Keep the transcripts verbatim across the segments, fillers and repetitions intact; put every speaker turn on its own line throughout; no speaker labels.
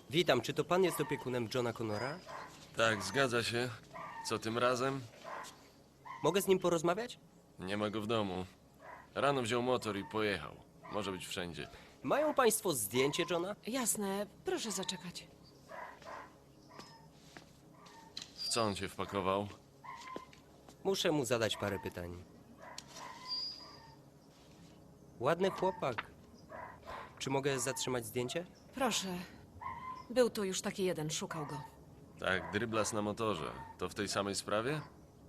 Witam, czy to pan jest opiekunem Johna Connora?
Tak, zgadza się. Co tym razem?
Mogę z nim porozmawiać?
Nie ma go w domu. Rano wziął motor i pojechał. Może być wszędzie.
Mają państwo zdjęcie Johna?
Jasne, proszę zaczekać.
W co on się wpakował?
Muszę mu zadać parę pytań. Ładny chłopak. Czy mogę zatrzymać zdjęcie?
Proszę. Był tu już taki jeden, szukał go.
Tak, dryblas na motorze. To w tej samej sprawie?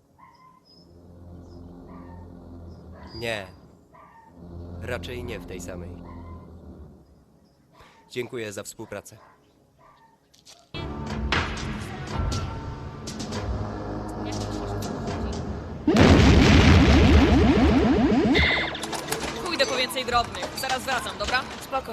Nie. Raczej nie w tej samej. Dziękuję za współpracę.
Pójdę po więcej drobnych. Zaraz wracam, dobra?
Spoko.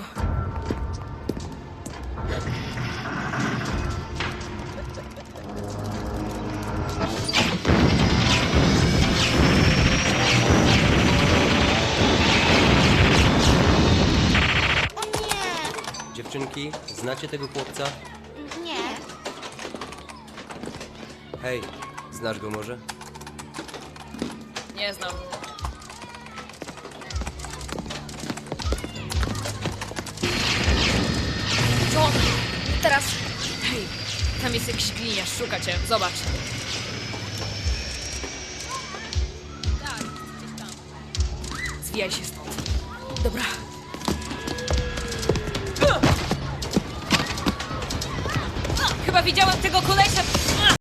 O nie!
Dziewczynki, znacie tego chłopca?
Nie.
Hej, znasz go może?
Nie znam. John! Teraz... Hej, tam jest jakiś gliniarz, szuka cię. Zobacz. Tak, gdzieś tam. Zwijaj się stąd.
Dobra.
Chyba widziałem tego kolesia...